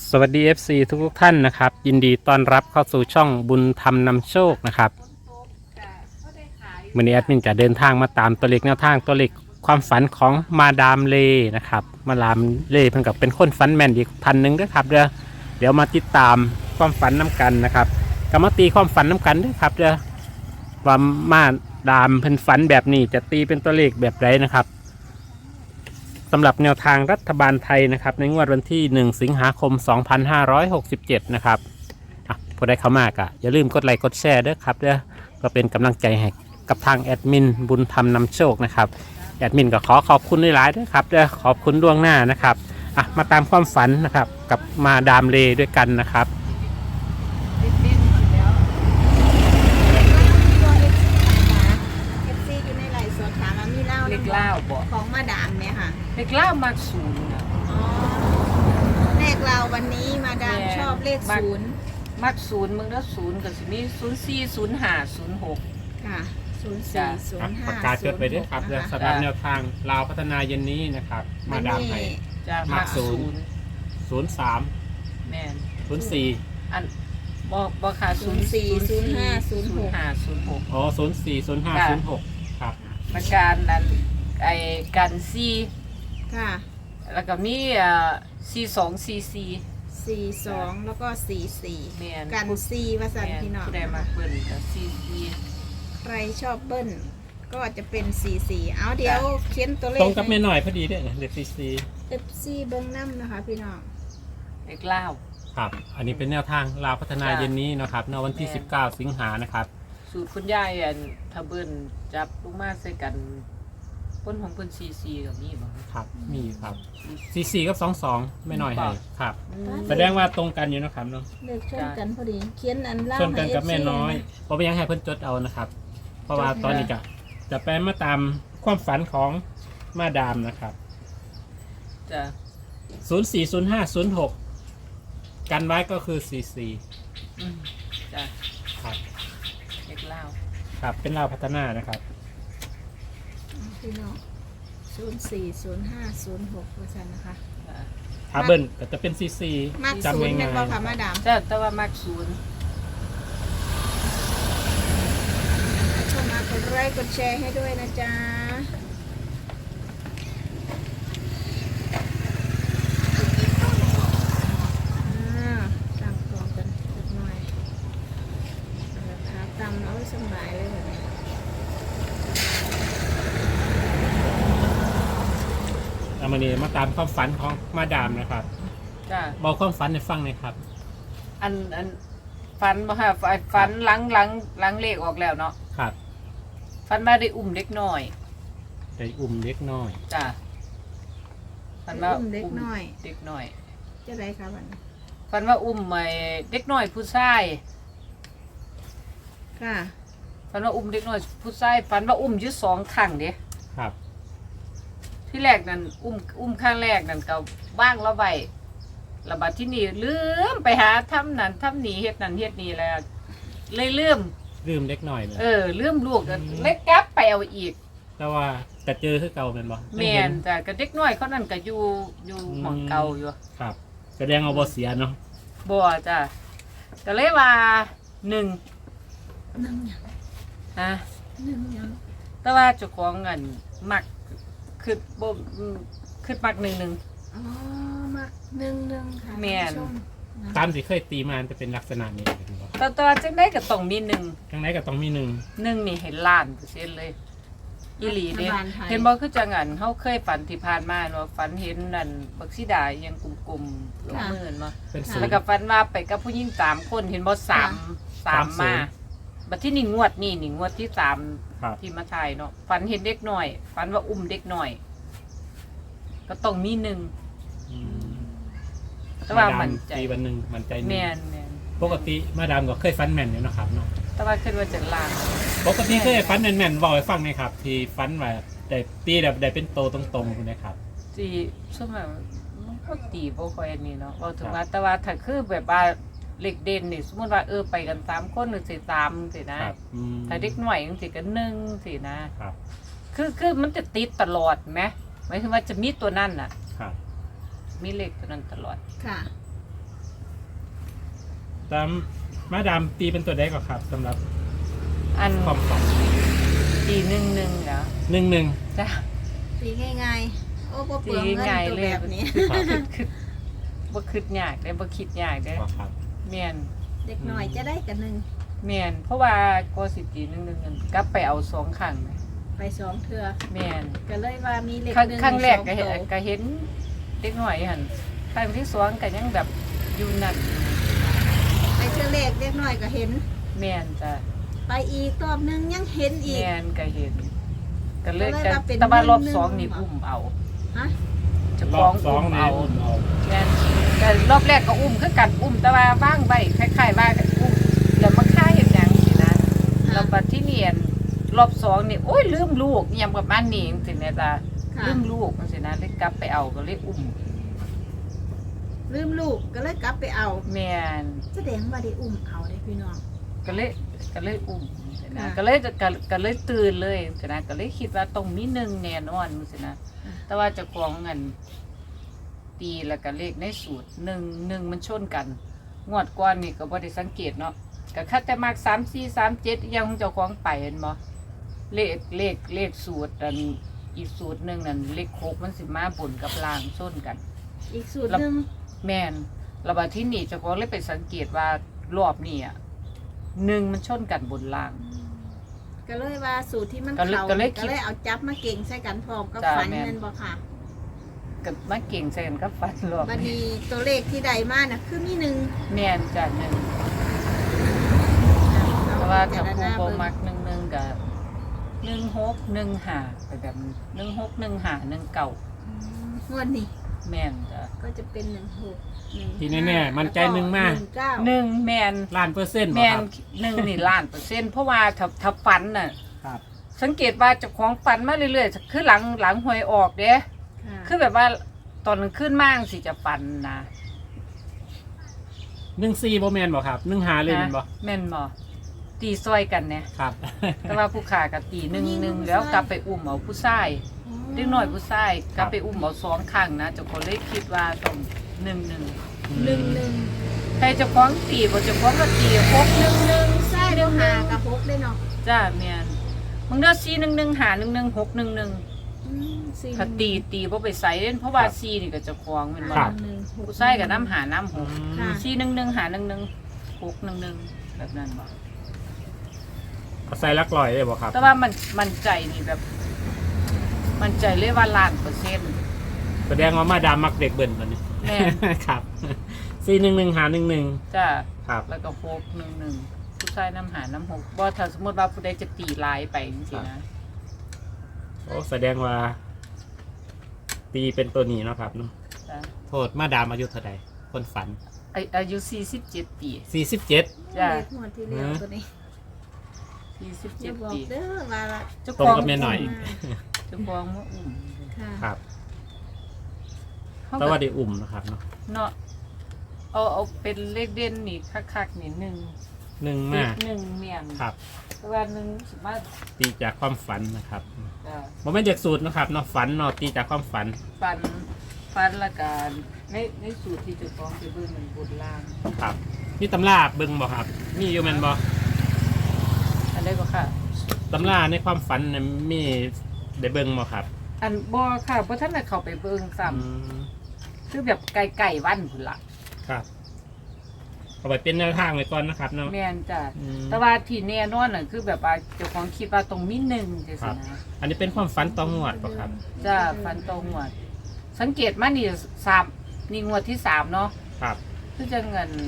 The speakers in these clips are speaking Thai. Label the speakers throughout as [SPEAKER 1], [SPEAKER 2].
[SPEAKER 1] สวัสดี FC ทุกท่านนะครับยินดีต้อนรับเข้าสู่ช่องบุญธรรมนำโชคนะครับวันนี้แอดมินจะเดินทางมาตามตัวเลขแนวทางตัวเลขความฝันของมาดามเลนะครับมาดามเลเพิ่งกับเป็นคนฝันแม่นอีกท่านหนึ่งด้วยครับเดี๋ยวมาติดตามความฝันน้กันนะครับกมาตีความฝันน้กันด้วยครับว่ามาดามเพิ่นฝันแบบนี้จะตีเป็นตัวเลขแบบไรนะครับสำหรับแนวทางรัฐบาลไทยนะครับในงวดวันที่1สิงหาคม2567นะครับผู้ใดเข้ามากอย่าลืมกดไลค์กดแชร์ด้วยครับก็เป็นกำลังใจให้กับทางแอดมินบุญธรรมนำโชคนะครับแอดมินก็ขอบคุณหลายๆด้วยครับขอบคุณล่วงหน้านะครับมาตามความฝันนะครับกับมาดามเลด้วยกันนะครับ
[SPEAKER 2] เล็กเล่าบอก
[SPEAKER 3] ของมาดามเนี่ยค่ะ
[SPEAKER 2] เล็กเล่ามากศูนย์นะ
[SPEAKER 3] เลขเราวันนี้มาดามชอบเลขศูนย์
[SPEAKER 2] มากศูนย์มึงแล้วศูนย์กับสิมี040506
[SPEAKER 3] ค่ะ0405
[SPEAKER 1] ประกาศจดไปด้วยครับสำหรับแนวทางลาวพัฒนาเย็นนี้นะครับมาดามให้
[SPEAKER 2] จะมากศูนย์
[SPEAKER 1] 03
[SPEAKER 2] แม่น
[SPEAKER 1] 04
[SPEAKER 2] อันบอกค่ะ040506
[SPEAKER 1] อ๋อ040506ครับ
[SPEAKER 2] ประการนั้นไอ้กันซี
[SPEAKER 3] ค่ะ
[SPEAKER 2] แล้วก็มี4244
[SPEAKER 3] 42แล้วก็44
[SPEAKER 2] แม่น
[SPEAKER 3] กัน4ว่าซั่นพี่น้อง
[SPEAKER 2] ผู้ใดมาเปิ้นก็
[SPEAKER 3] ใครชอบเบิ้ลก็จะเป็น44เอาเดี๋ยวเขียนตัวเลข
[SPEAKER 1] ตรงกับแม่หน่อยพอดีเนี่ยเลข
[SPEAKER 3] FC เบิ้งน้ำนะคะพี่น้อง
[SPEAKER 2] เล็กเล่า
[SPEAKER 1] ครับอันนี้เป็นแนวทางลาวพัฒนาเย็นนี้นะครับในวันที่19สิงหานะครับ
[SPEAKER 2] สูตรคุณยายอันทะเบิ้นจับลูกมาใส่กันพ้นของเพิ่น44กับมีบ่
[SPEAKER 1] ครับมีครับ44กับ22ไม่น้อยให้ครับ
[SPEAKER 2] อืม
[SPEAKER 1] แสดงว่าตรงกันอยู่นะครับเนาะ
[SPEAKER 3] เลขชนกันพอดีเขียนอันเล่า
[SPEAKER 1] ส่วนกันกับ
[SPEAKER 3] ให้
[SPEAKER 1] แม่
[SPEAKER 3] FC
[SPEAKER 1] น้อยเพราะไม่ยังให้เพิ่นจดเอานะครับ เพราะว่าตอนนี้จะไปมาตามความฝันของมาดามนะครับ
[SPEAKER 2] จ้ะ
[SPEAKER 1] 040506กันไว้ก็คือ44
[SPEAKER 2] อืมจ้ะ
[SPEAKER 1] ครับ
[SPEAKER 2] เล็กเล่า
[SPEAKER 1] ครับเป็นลาวพัฒนานะครับ
[SPEAKER 3] พี่น้อง040506ว่าซั่นนะคะ
[SPEAKER 2] จ้ะ
[SPEAKER 1] ถ้าเบิ้ลก็จะเป็น44
[SPEAKER 3] มาก
[SPEAKER 1] จำ
[SPEAKER 3] ศูนย์
[SPEAKER 1] ง่า
[SPEAKER 3] แม่นบ่ค่ะ
[SPEAKER 1] ย
[SPEAKER 3] มาดาม
[SPEAKER 2] จ้ะแต่ว่ามักศูนย์
[SPEAKER 3] เข้ามากดไลค์กดแชร์ให้ด้วยนะจ๊ะตั้งกองกันสักหน่อยราคาต่ำแล้วสบายเลยแบบนี้
[SPEAKER 1] ๆเอามานี่มาตามความฝันของมาดามนะครับ
[SPEAKER 2] จ้ะ
[SPEAKER 1] บอกความฝันให้ฟังหน่อยครับ
[SPEAKER 2] อันฟันบ่ค่ะฟันหลังเลขออกแล้วเนาะ
[SPEAKER 1] ครับ
[SPEAKER 2] ฟันมาได้อุ้มเด็กน้อย
[SPEAKER 1] ได้อุ้มเล็กน้อย
[SPEAKER 2] จ้ะฟันว่า
[SPEAKER 3] อุ้มเด็กน้อย
[SPEAKER 2] เด็กน้อย
[SPEAKER 3] จะได้ค่ะวันนี้
[SPEAKER 2] ฟันว่าอุ้มไอ้เด็กน้อยผู้ชาย
[SPEAKER 3] ค่ะ
[SPEAKER 2] ฟันว่าอุ้มเด็กน้อยผู้ชายฟันว่าอุ้มอยู่2ครั้งเด้
[SPEAKER 1] ครับ
[SPEAKER 2] ที่แรกนั่นอุ้มข้างแรกนั่นก็ว่างแล้วไว้แล้วบัดที่นี่ลืมไปหาทำนั่นทำนี่เฮ็ดนั่นเฮ็ดนี่แล้วเลยลืม
[SPEAKER 1] ลืมเล็กน้อยเลย
[SPEAKER 2] ลืมลูกก็เลยกลับไปเอาอีก
[SPEAKER 1] แต่ว่าแต่เจอคือเก่าเป็นบ่
[SPEAKER 2] แม่นจ้ะก็เด็กน้อยเขานั่นก็อยู่หม่องเก่าอยู่
[SPEAKER 1] ครับแสดงเอาบ่เสียเนาะ
[SPEAKER 2] บ่จ้ะก็เลยว่า1
[SPEAKER 3] นึ่งยัง
[SPEAKER 2] ฮะ
[SPEAKER 3] นึ่งยัง
[SPEAKER 2] แต่ว่าเจ้าของเงินมักคือบ่คือมัก1
[SPEAKER 3] อ๋อมาหนึ่งค่ะ
[SPEAKER 2] แม่น
[SPEAKER 3] ท่าผู้ชนะ
[SPEAKER 1] ตามที่เคยตีมาจะเป็นลักษณะนี้เป็นบ่
[SPEAKER 2] 1แต่ว่าจังได๋ก็ต้องมี1
[SPEAKER 1] จังไหนก็ต้องมี1
[SPEAKER 2] 1นี่เห็นล้านเปอร์เซ็นต์เลยอีหลีเด้
[SPEAKER 3] รัฐบาลไทย
[SPEAKER 2] เห็นบ่คือจังอันเฮาเคยฝันที่ผ่านมาเนาะฝันเห็นนั่นบักสีดาอิหยังกลมๆลงมือเนาะ
[SPEAKER 1] เป็น
[SPEAKER 3] ค่ะ
[SPEAKER 1] ศูน
[SPEAKER 2] แล้ว
[SPEAKER 1] ย์
[SPEAKER 2] ก็ฝันว่าไปกับผู้หญิง3คนเห็นบ่3มาบัดที่นี่งวดที่3
[SPEAKER 1] ครับ
[SPEAKER 2] ที่มาถ่ายเนาะฝันเห็นเด็กน้อยฝันว่าอุ้มเด็กน้อย ก็ต้องมี1
[SPEAKER 1] อืม
[SPEAKER 2] แต่ว่า
[SPEAKER 1] ด
[SPEAKER 2] มันใจ
[SPEAKER 1] ตีวันหนึ่งมันใจหนึ่ง
[SPEAKER 2] แม่น
[SPEAKER 1] ปกติมาดามก็เคยฟันแม่นอยู่เนาะครับเนาะ
[SPEAKER 2] แต่ว่าคิดว่าจะล้าน
[SPEAKER 1] ปกติเคยฟันแม่นๆบอกให้ฟังหน่อยครับ ที่ฟันว่าได้ตีแบบได้เป็นโตตรงๆคุณนะครับ
[SPEAKER 2] ที่ช่วงนั้นมันก็ตีบ่ค่อยอันนี้เนาะเว้าถึงว่าแต่ว่าถ้าคือแบบว่าเล็กเด่นนี่สมมุติว่าไปกัน3คนหรือสิ3สินะครับ ถ้าเด็กน้อยจังซี่ก็1สินะครับ คือมันจะติดตลอดแหมหมายถึงว่าจะมีตัวนั้นน่ะ
[SPEAKER 1] ครับ
[SPEAKER 2] มีเลขตัวนั้นตลอด
[SPEAKER 3] ค่ะ
[SPEAKER 1] ตามมาดามตีเป็นตัวใดก่อนครับสำหรับ
[SPEAKER 2] อัน
[SPEAKER 1] ความฝัน
[SPEAKER 2] ตีหนึ่งแล้ว
[SPEAKER 1] 11
[SPEAKER 2] จ้า
[SPEAKER 3] ตีง่ายๆโอ้บ่เปลืองเงิน
[SPEAKER 2] ง่ายๆ
[SPEAKER 3] ตัว
[SPEAKER 2] เลย
[SPEAKER 3] แบบนี้
[SPEAKER 2] คือบ่คิดยากได้บ่คิดยากได้
[SPEAKER 1] ครับ
[SPEAKER 2] แม่น
[SPEAKER 3] เด็กหน่อยจะได้กันหนึ่ง
[SPEAKER 2] แม่นเพราะว่าก็สิตีหนึ่งกลับไปเอา2ครั้งนะ
[SPEAKER 3] ไปสองเทื่อ
[SPEAKER 2] แม่น
[SPEAKER 3] ก็เลยว่ามีเลข
[SPEAKER 2] ครั้ง
[SPEAKER 3] หนึ่ง
[SPEAKER 2] ครั้งแรก
[SPEAKER 3] สอ
[SPEAKER 2] ก็เห็น
[SPEAKER 3] ตัว
[SPEAKER 2] ก็เห็นเด็กหน่อยหั่นครั้งที่2ก็ยังแบบอยู่นั่น
[SPEAKER 3] ไปเทื่อเลขเล็กหน่อยก็เห็น
[SPEAKER 2] แม่นจ้ะ
[SPEAKER 3] ไปอีกรอบนึงยังเห็นอีก
[SPEAKER 2] แม่นก็เห็นก็เลย
[SPEAKER 3] ก็เลย
[SPEAKER 2] ก็
[SPEAKER 3] ว่าเป็น
[SPEAKER 2] แต่ว่ารอบ
[SPEAKER 3] หนึ่ง
[SPEAKER 2] 2นี่อุ้มเอา
[SPEAKER 3] ฮะ
[SPEAKER 2] จะ
[SPEAKER 1] ร
[SPEAKER 2] ฟ้
[SPEAKER 1] อ
[SPEAKER 2] อง
[SPEAKER 1] บ2
[SPEAKER 2] อุ้ม
[SPEAKER 1] นี่
[SPEAKER 2] เอา
[SPEAKER 1] อุ้มเอา
[SPEAKER 2] แม่นแต่รอบแรกก็อุ้มคือกันอุ้มแต่ว่าว่างไว้คล้ายๆว่าอุ้มแล้วมาฆ่าเฮ็ดหยังสินะแล้วบัดที่เนียนรอบ2นี่โอ้ยลืมลูกเนี่ยประมาณนี้จังซี่แม่จ้ะ
[SPEAKER 3] ค่ะ
[SPEAKER 2] ลืมลูกจังซี่นะเลยกลับไปเอาก็เลยอุ้ม
[SPEAKER 3] ลืมลูกก็เลยกลับไปเอา
[SPEAKER 2] แม่น
[SPEAKER 3] แสดงว่าได้อุ้มเอาได้พี่น้อง
[SPEAKER 2] ก็เลยอุ้มนะ
[SPEAKER 3] ค่ะ
[SPEAKER 2] ก็เลยตื่นเลยนะก็เลยคิดว่าต้องมีหนึ่งแน่นอนจังซี่นะแต่ว่าเจะของเงินตีแล้วก็เลขในสูตร1มันชนกันงวดก่อนนี่ก็บ่ได้สังเกตเนาะก็คัดแต่มาก3 4 3 7ยังเจ้าของไปเห็นบ่เลขสูตรอันอีกสูตรหนึงนั่นเลข6มันสิมาบนกับล่างชนกัน
[SPEAKER 3] อีกสูตรหนึ่ง
[SPEAKER 2] แม่นระบาดที่นี่เจ้าของเลยไปสังเกตว่ารอบนี้อ่ะ1มันชนกันบนล่าง
[SPEAKER 3] ก็เลยว่าสูตรที่มัน
[SPEAKER 2] ก็เลย
[SPEAKER 3] เขา
[SPEAKER 2] ก็เลยคิ
[SPEAKER 3] ก็
[SPEAKER 2] ด
[SPEAKER 3] เลยเอาจับมาเก่งใส่กันพร้อมกับ
[SPEAKER 2] จ้า
[SPEAKER 3] ฝัน
[SPEAKER 2] แม่น
[SPEAKER 3] เงินบ่ค่ะ
[SPEAKER 2] กับมาเก่งใส่กันกับฟันรอบ
[SPEAKER 3] บัดนี้ตัวเลขที่ใดมาน่ะคือมีหนึ่ง
[SPEAKER 2] แม่นจ้ะหนึ่งเพราะว่าถ้าผู้บ่มัก1กับ1615ไปแบบ161519
[SPEAKER 3] งวดนี้
[SPEAKER 2] แม่นจ้ะ
[SPEAKER 3] ก็จะเป็น16
[SPEAKER 1] ทีแน่ๆมันใจหนึ่งมาก
[SPEAKER 3] 19
[SPEAKER 2] แม่น
[SPEAKER 1] ล้านเปอร์เซ็นต์บ่
[SPEAKER 2] แม่น
[SPEAKER 1] ครับ
[SPEAKER 2] 1นี่ล้านเปอร์เซ็นต์เพราะว่าถ้าฝันน่ะ
[SPEAKER 1] ครับ
[SPEAKER 2] สังเกตว่าเจ้าของฝันมาเรื่อยๆคือหลังหวยออกเด้
[SPEAKER 3] ค่ะ
[SPEAKER 2] คือแบบว่าตอนขึ้นมากสิจะฝันนะ
[SPEAKER 1] 14บ่แม่นบ่ครับ15เลยแม่นบ่
[SPEAKER 2] แม่นบ่ตีซอยกันเนี่ย
[SPEAKER 1] ครับ
[SPEAKER 2] แต่ว่าผู้ขากับตีหนึ่งแล้วกลับไปอุ้มเอาผู้ชายเด็กน้อยผู้ชายกลับไปอุ้มเอา2ครั้งนะเจ้าของเลยคิดว่าต้อง1
[SPEAKER 3] 11
[SPEAKER 2] ใครเจ้าของตีบ่เจ้าของก็ตี6
[SPEAKER 3] ใช่เดี๋ยวหากับ6ได้เนาะ
[SPEAKER 2] 1จ้าแม่นมึงเด้อ4 1 1 5 1 1 6 1 1
[SPEAKER 3] 4
[SPEAKER 2] ถ้าตีบ่ไปใส่เล่นเพราะว่า4นี่ก็เจ้าของแม่นบ่
[SPEAKER 1] ครับ
[SPEAKER 2] ผู้ชายก็น้ำหาน้ำหก
[SPEAKER 3] ค่ะ
[SPEAKER 2] 4 1 1 5 1 1 6 1 1แบบนั้นบ่
[SPEAKER 1] เอาใส่ลักลอยได้บ่ครับ
[SPEAKER 2] แต่ว่ามันใจนี่แบบ มันใจเลยว่าล้านเปอร์เซ็นต์
[SPEAKER 1] แสดงว่ามาดามมักเด็กเบิ่นตัวนี้
[SPEAKER 2] แม่น
[SPEAKER 1] ครับ411
[SPEAKER 2] จ้า
[SPEAKER 1] ครับ
[SPEAKER 2] แล้วก็6 1 1ผู้ชายน้ำหาน้ำหกบ่ถ้าสมมติว่าผู้ใดจะตีลายไปจริงๆนะ
[SPEAKER 1] โอ้แสดงว่า ตีเป็นตัวนี้เนาะครับเนาะ
[SPEAKER 2] จ้ะ
[SPEAKER 1] โทษมาดามอายุเท่าใดคนฝัน
[SPEAKER 2] อายุ47 ปี
[SPEAKER 1] 47
[SPEAKER 2] จ้า
[SPEAKER 3] เลขงวดที่แล้วตัวนี้อย่าบ
[SPEAKER 2] 47
[SPEAKER 3] อก
[SPEAKER 2] ปี
[SPEAKER 3] เด้อว่าละ
[SPEAKER 2] เจ้า
[SPEAKER 1] ตรง
[SPEAKER 2] ของ
[SPEAKER 1] กับแม่หน่อย
[SPEAKER 2] เจ้าของมาอุ้ม
[SPEAKER 3] ค่ะ
[SPEAKER 1] ครับ
[SPEAKER 2] เขา
[SPEAKER 1] แต่
[SPEAKER 2] ก็
[SPEAKER 1] ว่าได้อุ่มนะครับเนาะ
[SPEAKER 2] เนาะเอาเป็นเลขเด่นนี่คักๆนี่1
[SPEAKER 1] 1มา
[SPEAKER 2] 1เมียน
[SPEAKER 1] ครับ
[SPEAKER 2] แต่ว่า1สิมา
[SPEAKER 1] ตีจากความฝันนะครับ
[SPEAKER 2] จ้า
[SPEAKER 1] บ่แม่นจากสูตรนะครับเนาะฝันเนาะตีจากความฝัน
[SPEAKER 2] ฟันละกันในสูตรที่เจะฟ้าของไปเบิ่งมันบนล่าง
[SPEAKER 1] ครับนี่ตำราเบิ่งบ่ครับมีอยู่แม่นบ่
[SPEAKER 2] อันได้ก็ค่ะ
[SPEAKER 1] ตำราในความฝันน่ะมีได้เบิ่งบ่ครับ
[SPEAKER 2] อันบ่ค่ะเพราะท่านน่ะเข้าไปเบิ่งซ้ำ
[SPEAKER 1] อืม
[SPEAKER 2] คือแบบไก่วันพุ่นล่ะ
[SPEAKER 1] ครับเอาไปเป็นแนวทางไว้ก่อนนะครับเนาะ
[SPEAKER 2] แม่นจ้ะ
[SPEAKER 1] อืม
[SPEAKER 2] แต่ว่าที่แน่นอนน่ะคือแบบว่าเจ้าของคิดว่าตรงมีหนึ่งจัง
[SPEAKER 1] ครั
[SPEAKER 2] ซี่
[SPEAKER 1] บ
[SPEAKER 2] นะ
[SPEAKER 1] อันนี้เป็นความฝันต่องวดป่ะครับ
[SPEAKER 2] จ้ะฟันตรงหมดสังเกตมานี่3นี่งวดที่3เนาะ
[SPEAKER 1] ครับ
[SPEAKER 2] คือจะเงิน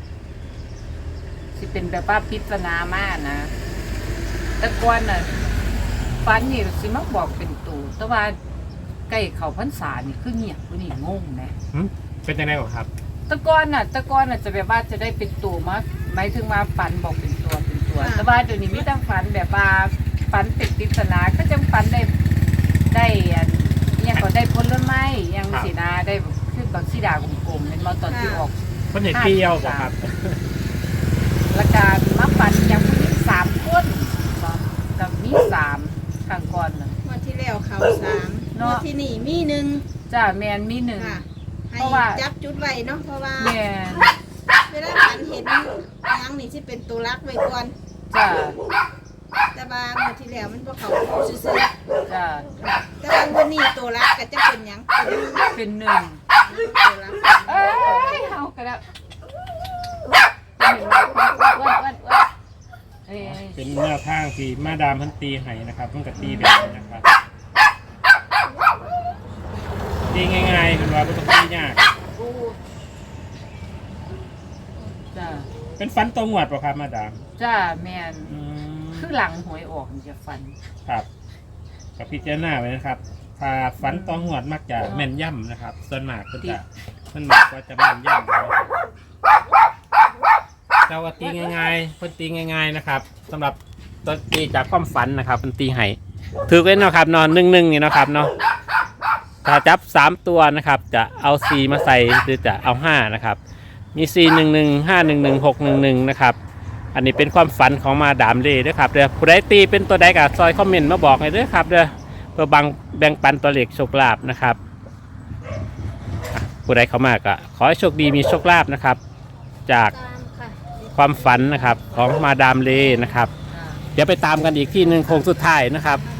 [SPEAKER 2] สิเป็นแบบว่าพิจารณามากนะแต่ก่อนน่ะฟันนี่สิมาบอกเป็นตูแต่ว่าใกล้เข้าพรรษานี่คือเงียบผู้นี่งงแหม
[SPEAKER 1] หึเป็นยังไงบ่ครับ
[SPEAKER 2] แตะกอนน่ะจะแบบว่าจะได้เป็นตัวมาหมายถึงว่าฝันบอกเป็นตัวแต่ว่าเดี๋ยวนี้มีแต่ฝันแบบว่าฝันเป็นปริศนาก็จังฝันได้อันอิหยังก็ได้ผลไม้อิหยังสินะได้คือบางสีดากลมๆเป็นมาตอนที่ออก
[SPEAKER 1] เพิ่นเห็นเปรี้ยวบ่ครับ
[SPEAKER 2] และการมาฝันอย่างผู้หญิง3คนบ่กับมี3ข้างก่อนน่ะ
[SPEAKER 3] งวดที่แล้วเขา3
[SPEAKER 2] เนาะ
[SPEAKER 3] งวดที่นี่มี1
[SPEAKER 2] จ้าแมนมีหนึ่ง
[SPEAKER 3] ค่ะให้
[SPEAKER 2] เพราะว่า
[SPEAKER 3] จับจุดไว้เนาะเพราะว่า
[SPEAKER 2] แมน
[SPEAKER 3] เเวลาฝันเห็นหยังนี่สิเป็นตัวรักไว้ก่อน
[SPEAKER 2] จ้า
[SPEAKER 3] แต่ว่าเมื่อที่แล้วมันบ่เข้าซื่อ
[SPEAKER 2] จ้า
[SPEAKER 3] ๆแต่ว่าวันนี้ตัวรักก็จะเป็นหยัง
[SPEAKER 2] เป็นหนึ่ง
[SPEAKER 3] ตัวรัก
[SPEAKER 2] เอ้ยเอากระดับอ้วนเอ้ย
[SPEAKER 1] เป็นแนวทางที่มาดามเพันตีให้นะครับเพิ่งกตีแบบนี้นะครับตีง่ายๆเป็นว่าไม่ต้องตียาก
[SPEAKER 2] จ้า
[SPEAKER 1] เป็นฟันตรงหวัดป่ะครับมาดาม
[SPEAKER 2] จ้าแมน
[SPEAKER 1] อืม
[SPEAKER 2] คือหลังหวยออกมันจะฟัน
[SPEAKER 1] ครับกับพิจารณาไว้นะครับถ้าฟันตรงหวัดมักจะแม่นย่ำนะครับส่วนมากก็จะแม่นย่ำนะครับเจ้าก็ตีง่ายๆเพิ่นตีง่ายๆนะครับสำหรับตัวตีจากความฝันนะครับเพิ่นตีให้ถือไว้เนาะครับนอน1-1นี่เนาะครับเนาะถ้าจับ3ตัวนะครับจะเอา4มาใส่หรือจะเอา5นะครับมี411 511 611นะครับอันนี้เป็นความฝันของมาดามเล่ด้วยครับเด้อผู้ใดตีเป็นตัวใดก็ซอยคอมเมนต์มาบอกให้ด้วยครับเด้อเพื่อแบ่งปันตัวเลขโชคลาภนะครับผู้ใดเข้ามาก็ขอให้โชคดีมีโชคลาภนะครับจาก
[SPEAKER 3] ตามค่ะ
[SPEAKER 1] ความฝันนะครับของมาดามเลนะครับ
[SPEAKER 2] จ้า
[SPEAKER 1] เดี๋ยวไปตามกันอีกที่หนึ่งโค้งสุดท้ายนะครับ
[SPEAKER 3] ค่ะ